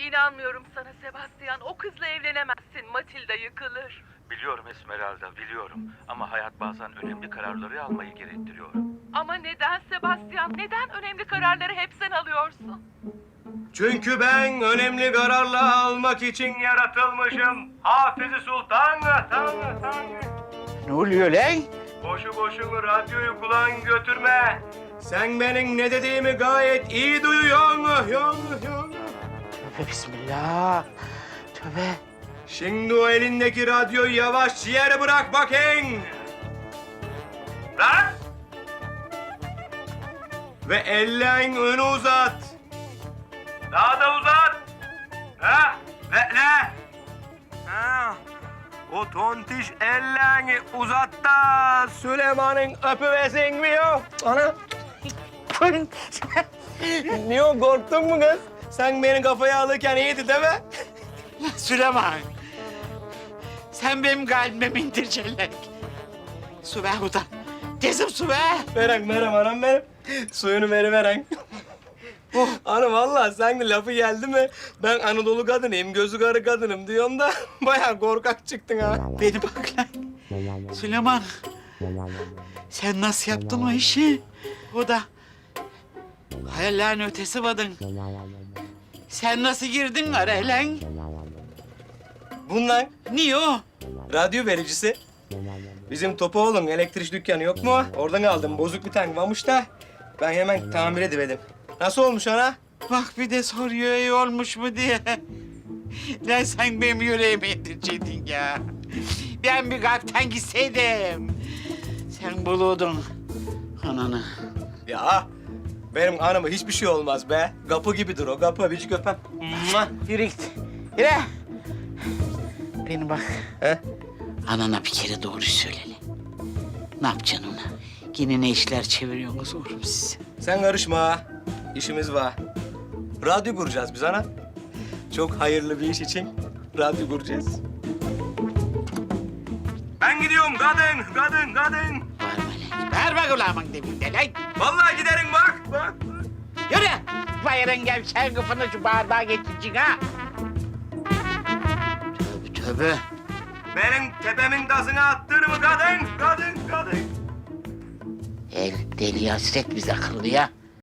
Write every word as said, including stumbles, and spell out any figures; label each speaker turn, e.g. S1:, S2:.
S1: İnanmıyorum sana Sebastian. O kızla evlenemezsin. Matilda yıkılır.
S2: Biliyorum Esmeralda, biliyorum. Ama hayat bazen önemli kararları almayı gerektiriyor.
S1: Ama neden Sebastian? Neden önemli kararları hep sen alıyorsun?
S3: Çünkü ben önemli kararlar almak için yaratılmışım. Hafiz-i Sultan, Tanrı, Tanrı.
S4: Ne oluyor lan?
S3: Boşu boşuna radyoyu kulağın götürme. Sen benim ne dediğimi gayet iyi duyuyorsun. Yon, yon.
S4: Tövbe bismillah. Tövbe.
S3: Şimdi o elindeki radyoyu yavaşça yere bırak bakayım. Bırak. Ve ellerin önü uzat. Daha da uzat. Ha, bekle. Ha. O tontiş ellerini uzat da Süleyman'ın öpüvesin mi yok? Ana. Niye o, korktun mu kız? Sen beni kafaya alırken iyiydi değil mi?
S4: Süleyman. Sen benim kalbime mi indireceksin? Su ver buradan. Tezim su ver.
S3: Veren, verem anam benim. Suyunu veriveren. Oh. Ana vallahi sen de lafı geldi mi? Ben Anadolu kadınıyım, gözü karı kadınım diyorsun da bayağı korkak çıktın ha.
S4: Beni bak lan. Süleyman. Sen nasıl yaptın o işi? O da hayallerin ötesi vadın. Sen nasıl girdin araya lan?
S3: Bundan
S4: Niye o?
S3: radyo vericisi. Bizim Topoğlu'nun elektrik dükkanı yok mu? Oradan aldım. Bozuk bir tane varmış da ben hemen tamir ediverdim. Nasıl olmuş ana?
S4: Bak bir de soruyor iyi olmuş mu diye. Lan sen benim yüreğimi yedirecektin ya. Ben bir kalpten gitseydim. Sen bulurdun ananı.
S3: Ya benim anama hiçbir şey olmaz be. Kapı gibidir o kapı. Bir öpem. Mua.
S4: Yürü git. Yürü. Beni bak.
S3: He?
S4: Anana bir kere doğru söyle lan. Ne yapacaksın ona? Yine ne işler çeviriyorsunuz oğlum siz?
S3: Sen karışma ha. İşimiz var. Radyo kuracağız biz ana. Çok hayırlı bir iş için radyo kuracağız. Ben gidiyorum kadın, kadın, kadın.
S4: Bağırma lan. Bağırma kulağımın dibinde lan.
S3: Vallahi giderim bak, bak.
S4: Yürü. Bayırın gevşen kıfını şu bağırmağa geçireceksin ha. Tövbe tövbe.
S3: Benim tepemin tasını attır mı kadın, kadın, kadın.
S4: El deli hasret bize akıllı ya.